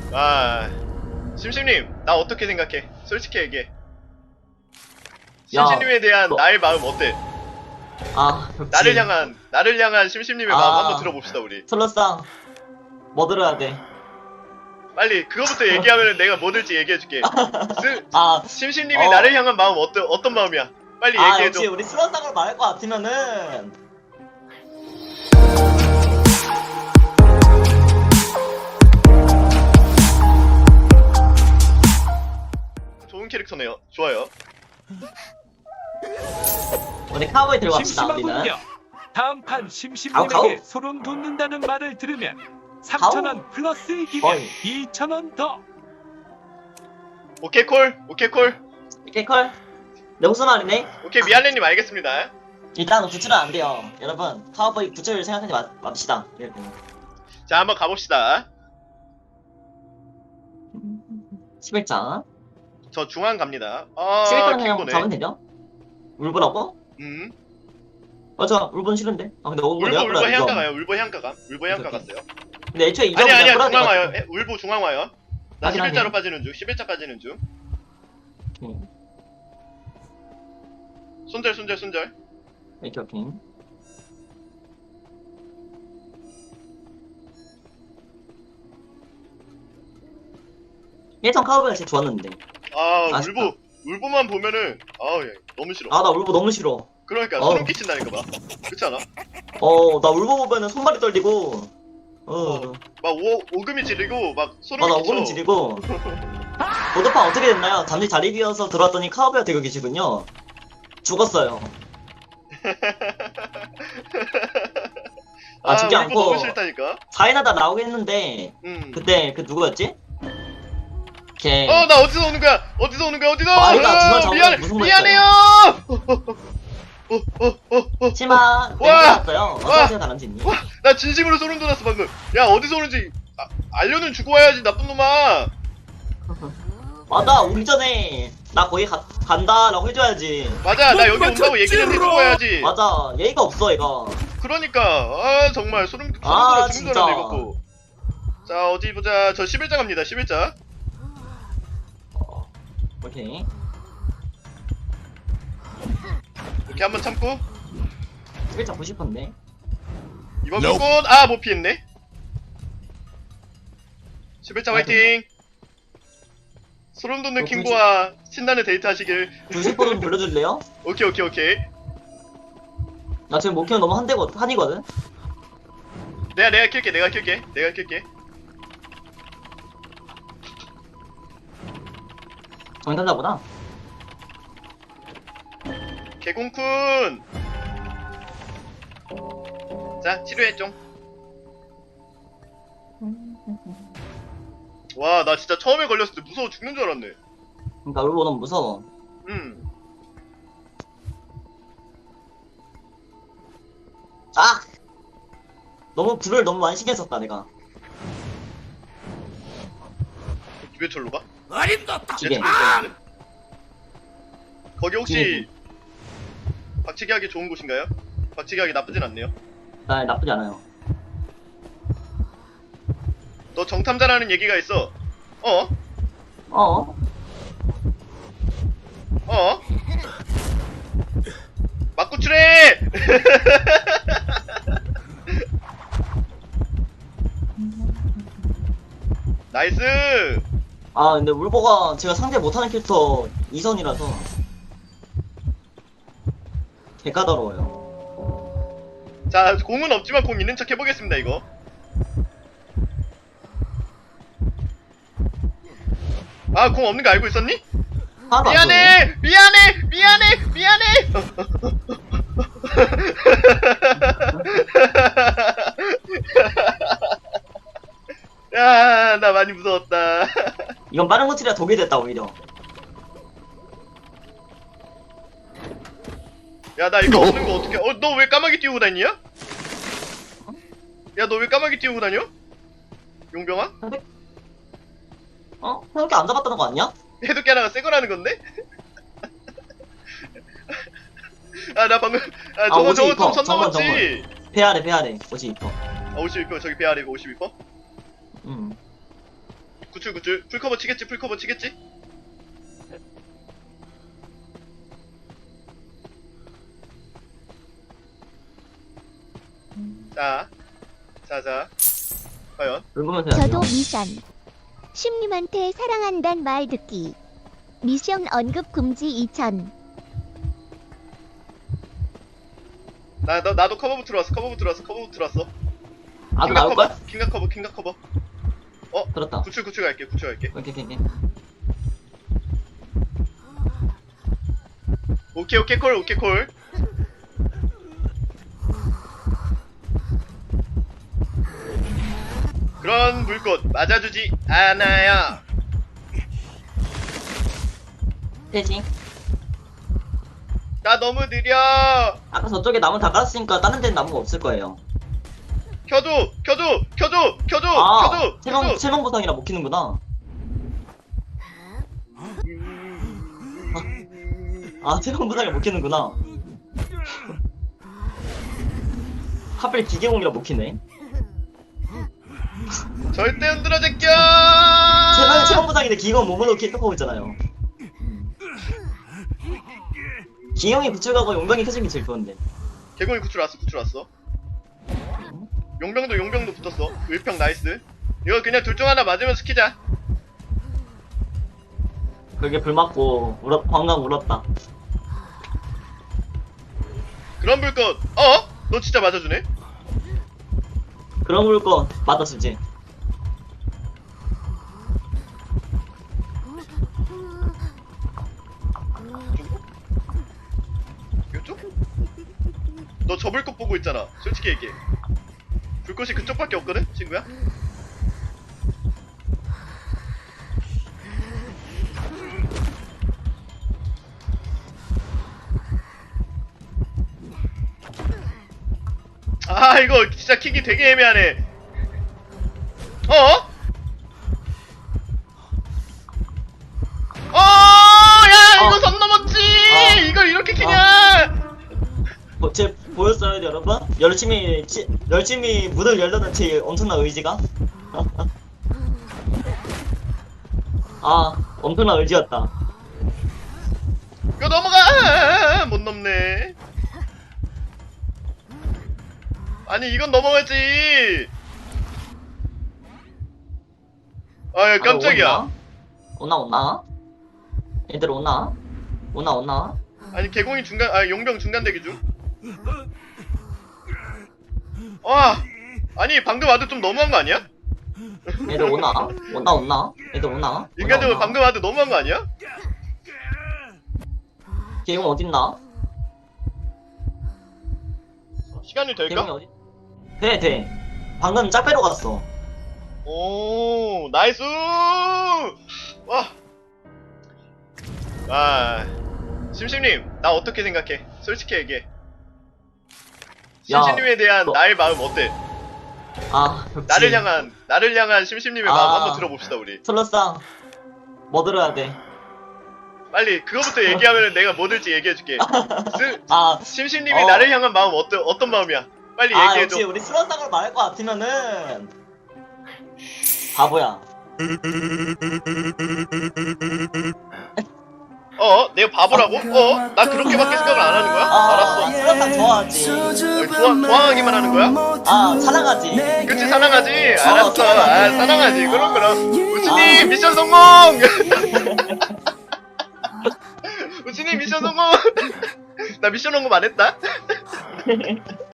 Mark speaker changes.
Speaker 1: 아, 심심님, 나 어떻게 생각해? 솔직히 얘기해.
Speaker 2: 야,
Speaker 1: 심심님에 대한
Speaker 2: 너-
Speaker 1: 나의 마음 어때?
Speaker 2: 아, 벽지.
Speaker 1: 나를 향한 심심님의 마음 한번 들어봅시다, 우리.
Speaker 2: 솔로상, 뭐 들어야 돼?
Speaker 1: 빨리, 그거부터 얘기하면 내가 뭐 들지 얘기해줄게.
Speaker 2: 아,
Speaker 1: 심심님이 나를 향한 마음 어떤 마음이야? 빨리 얘기해줘.
Speaker 2: 역시 우리 솔로상으로 말할 것 같으면은,
Speaker 1: 좋은 캐릭터네요. 좋아요.
Speaker 2: 우리 카우보이 들고 갑시다, 우리는.
Speaker 3: 심심하군요. 다음 판
Speaker 2: 가오.
Speaker 3: 심심님에게 소름 돋는다는 말을 들으면 3,000원 플러스 이기면
Speaker 2: 어이.
Speaker 3: 2,000원 더.
Speaker 1: 오케이, 콜. 오케이, 콜.
Speaker 2: 이렇게 컬. 내 무슨 말이네?
Speaker 1: 오케이, 미안해님 알겠습니다.
Speaker 2: 일단 구출은 안 돼요. 여러분, 카우보이 구출 생각하지 맙시다.
Speaker 1: 자, 한번 가봅시다.
Speaker 2: 11장.
Speaker 1: 저 중앙 갑니다.
Speaker 2: 11장 그냥
Speaker 1: 킹고네.
Speaker 2: 잡으면 되죠? 울보라고? 맞아, 울보는 싫은데. 아, 근데 울보 내가
Speaker 1: 울보
Speaker 2: 끌어야
Speaker 1: 해안가
Speaker 2: 돼.
Speaker 1: 가요. 울보 해안가 감. 울보 해안가
Speaker 2: 오케이.
Speaker 1: 갔어요.
Speaker 2: 근데 애초에 이점을
Speaker 1: 아니야,
Speaker 2: 끌어야
Speaker 1: 중앙 와요.
Speaker 2: 돼가지고.
Speaker 1: 울보 중앙 와요. 나
Speaker 2: 확인,
Speaker 1: 11자로
Speaker 2: 확인.
Speaker 1: 빠지는 중. 11자 빠지는 중. 손절.
Speaker 2: 오케이, 오케이. 예전 카우보이가 제일 좋았는데. 아쉽다.
Speaker 1: 울보만 보면은 예, 너무 싫어.
Speaker 2: 아, 나 울보 너무 싫어.
Speaker 1: 그러니까
Speaker 2: 어우.
Speaker 1: 소름 끼친다니까 막. 그렇지 않아?
Speaker 2: 나 울보 보면은 손발이 떨리고,
Speaker 1: 막 오금이 지르고 막 소름
Speaker 2: 맞아,
Speaker 1: 끼쳐.
Speaker 2: 오금 지리고. 보드판 어떻게 됐나요? 잠시 자리 비어서 들어왔더니 카우보이가 되고 계시군요. 죽었어요. 죽지
Speaker 1: 울보
Speaker 2: 않고
Speaker 1: 너무 싫다니까.
Speaker 2: 사인하다 나오긴 했는데, 그때 그 누구였지? 걔.
Speaker 1: 나 어디서 오는 거야? 어디서?
Speaker 2: 마리가 중앙 잡으면 무슨 말
Speaker 1: 미안해요.
Speaker 2: 치마
Speaker 1: 와!
Speaker 2: 맹세였어요. 어떠세요, 다람쥐님?
Speaker 1: 나 진심으로 소름 돋았어 방금. 야, 어디서 오는지 알려는 주고 와야지, 나쁜 놈아.
Speaker 2: 맞아, 오기 전에 나 거기 간다라고 해줘야지.
Speaker 1: 맞아, 나 여기 온다고 얘기는 해주고 와야지.
Speaker 2: 맞아, 예의가 없어, 얘가.
Speaker 1: 그러니까 정말 소름 돋아
Speaker 2: 진짜.
Speaker 1: 이거. 자, 어디 보자. 저 11자 갑니다. 11자.
Speaker 2: 오케이.
Speaker 1: 이렇게 한번 참고
Speaker 2: 11장 90%인데.
Speaker 1: 이번 무꽃 못 피했네. 11자 화이팅. 소름 돋는 킹보와 신나는 데이트 하시길.
Speaker 2: 90%좀 돌려줄래요?
Speaker 1: 오케이.
Speaker 2: 나 지금 목표는 너무 한이거든?
Speaker 1: 내가 킬게.
Speaker 2: 정탄자보다?
Speaker 1: 개공쿤. 자, 치료해 좀. 와, 나 진짜 처음에 걸렸을 때 무서워 죽는 줄 알았네.
Speaker 2: 그니까 울보 너무 무서워. 아! 불을 너무 많이 신경 썼다, 내가.
Speaker 1: 왜 절로 가?
Speaker 2: 기계.
Speaker 1: 거기 혹시 박치기 하기 좋은 곳인가요? 박치기 하기 나쁘진 않네요.
Speaker 2: 나쁘지 않아요.
Speaker 1: 너 정탐자라는 얘기가 있어.
Speaker 2: 어?
Speaker 1: 맞구출해! 나이스!
Speaker 2: 근데 울보가 제가 상대 못하는 캐릭터 2선이라서 개까다로워요.
Speaker 1: 자, 공은 없지만 공 있는 척 해보겠습니다, 이거. 공 없는 거 알고 있었니?
Speaker 2: 하나도 안 쏘네.
Speaker 1: 미안해! 야, 나 많이 무서웠다.
Speaker 2: 이건 빠른 고치라 독이 됐다, 오히려.
Speaker 1: 야, 나 이거 없는 거 어떡해. 너 왜 까마귀 띄우고 다니냐? 야, 너 왜 까마귀 띄우고 다녀? 용병아?
Speaker 2: 형이 안 잡았다는 거 아니야?
Speaker 1: 해독기 하나가 새 거라는 건데? 나 방금, 저거 좀 선 넘었지?
Speaker 2: 배아래, 52%.
Speaker 1: 52%, 저기 배 아래고 52%? 구출 풀커버 치겠지 풀커버 치겠지. 자 과연
Speaker 2: 긁으면서
Speaker 4: 저도
Speaker 2: 해야죠.
Speaker 4: 미션. 심님한테 사랑한단 말 듣기. 미션 언급 금지 2000.
Speaker 1: 나도 커버부 들어왔어.
Speaker 2: 아, 나올 거야?
Speaker 1: 킹각 커버.
Speaker 2: 들었다.
Speaker 1: 구출 갈게. 오케이 콜. 그런 물꽃 맞아주지 않아요.
Speaker 2: 대신
Speaker 1: 나 너무 느려.
Speaker 2: 아까 저쪽에 나무 다 깔았으니까 다른 데는 나무가 없을 거예요.
Speaker 1: 켜줘.
Speaker 2: 아, 세명 보상이라 못 키는구나. 아, 세명 보상이라 못 키는구나. 하필 기계공이라 못 키네.
Speaker 1: 절대 흔들어 제껴.
Speaker 2: 세명 보상인데 기계공 몸으로 켜고 있잖아요. 기계공이 구출가고 용병이 켜진 게 제일 좋은데.
Speaker 1: 개공이 구출 왔어. 용병도 붙었어. 일평 나이스. 이거 그냥 둘 중 하나 맞으면서 키자.
Speaker 2: 그게 불 맞고 방금 울었다.
Speaker 1: 그런 불꽃. 너 진짜 맞아주네.
Speaker 2: 그런 물건 맞았을지.
Speaker 1: 이쪽? 너 저 불꽃 보고 있잖아. 솔직히 얘기해. 불꽃이 그쪽밖에 없거든, 친구야. 아, 이거 진짜 킥이 되게 애매하네. 야, 이거 선 넘었지. 이걸 이렇게 키냐?
Speaker 2: 제 보였어요, 여러분? 열심히 문을 열려는 제 엄청난 의지가. 아, 엄청난 의지였다.
Speaker 1: 이거 넘어가. 못 넘네. 아니, 이건 넘어가지. 아, 야, 깜짝이야.
Speaker 2: 오나? 얘들 오나?
Speaker 1: 아니, 개공이 용병 중간 대기 중. 아니, 방금 와도 좀 너무한 거 아니야?
Speaker 2: 얘들 오나? 얘들 오나?
Speaker 1: 인간적으로 방금 와도 너무한 거 아니야?
Speaker 2: 개용 어딨나?
Speaker 1: 시간이
Speaker 2: 개용이
Speaker 1: 될까?
Speaker 2: 어디? 돼. 방금 짝배로 갔어.
Speaker 1: 오, 나이스! 심심님, 나 어떻게 생각해? 솔직히 얘기해.
Speaker 2: 야,
Speaker 1: 심심님에 대한
Speaker 2: 너-
Speaker 1: 나의 마음 어때?
Speaker 2: 아, 역시.
Speaker 1: 나를 향한 심심님의 마음 한번 들어봅시다, 우리.
Speaker 2: 솔로상 뭐 들어야 돼?
Speaker 1: 빨리, 그거부터 얘기하면 내가 뭐 들지 얘기해줄게.
Speaker 2: 아,
Speaker 1: 심심님이 나를 향한 마음 어떤 마음이야? 빨리 얘기해줘.
Speaker 2: 역시 우리 슬런상으로 말할 것 같으면은 바보야.
Speaker 1: 내가 바보라고? 나 그렇게밖에 생각을 안 하는 거야? 알았어.
Speaker 2: 슬런상 좋아하지.
Speaker 1: 좋아하기만 하는 거야?
Speaker 2: 아, 사랑하지.
Speaker 1: 그치, 사랑하지. 알았어. 사랑하지. 그럼. 우치님,
Speaker 2: 아.
Speaker 1: 미션 성공! 우치님, 미션 성공! 나 미션 성공 안 했다?